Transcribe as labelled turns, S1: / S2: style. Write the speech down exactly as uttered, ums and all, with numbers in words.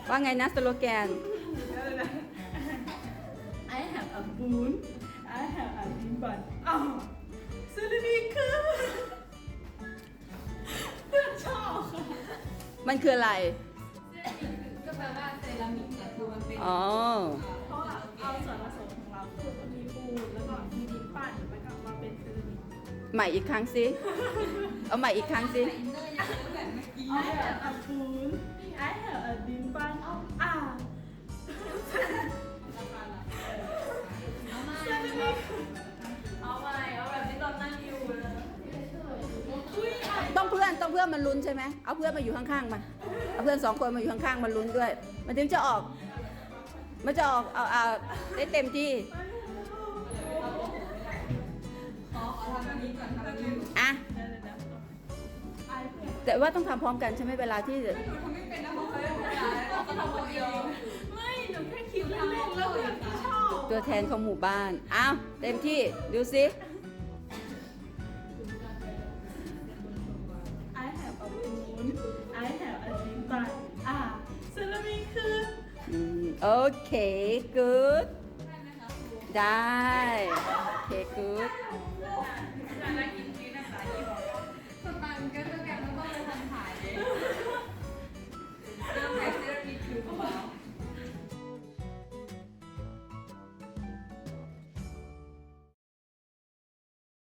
S1: ว่าไงนะสโลแกน
S2: I have a spoon I have a tin bun อ้าวซูรินีคือเพื่อนชอบค่ะ
S1: มันคืออะไร
S3: ก็แปลว่าเซรามิกแต่คือมันเป็น
S1: อ๋อ
S2: เพราะว่าเอาส่วนผสมของเราคือมีปูนแล้วก็มีดินปั้นแล้วก็มาเป็นเซรามิก
S1: ใหม่อีกครั้งสิ เอาใหม่อีกครั้งสิ
S3: อินเนอร์อย่างนี้แบบเมื่อกี้
S2: I have a spoon I have a ดินปั้นอ่า
S3: เอามาเอาใหม่เอาแบบที่ตอนนั่งอยู่เลย
S2: อุ้ยอ่ะ
S1: ต้องเพื่อนต้องเพื่อนมันลุ้นใช่ไหมเอาเพื่อนมาอยู่ข้างๆมาเอาเพื่อนสองคนมาอยู่ข้างๆมันลุ้นด้วย มันถึงจะออก มันจะออกเอาเอาได้เต็มที่
S3: ขอขอทำแบบนี้ก่อนทำแบบนี้
S1: อ่ะ
S2: เดี๋ยวเดี๋ยวเดี๋ยวไอเพื่อน
S1: แต่ว่าต้องทำพร้อมกันใช่ไหมเวลาที่
S3: หนูทำไม่เป็นนะเพราะเขาไม่ได้เราก็ทำคนเดียว
S2: ไม่หนูแค่คิดเล่นๆแล้วเพื่อนก็ชอบ
S1: ตัวแทนของหมู่บ้านอ้าวเต็มที่ดูสิ
S2: I have a spoon I have a ดินปั้นอ่าเซรามิกคือ
S1: อืมโอเค good
S3: ได้ไหมคะครู
S1: ได้โอเค good
S3: จะได้กินฟรีนะคะที่บอกสตังค์ก็จะ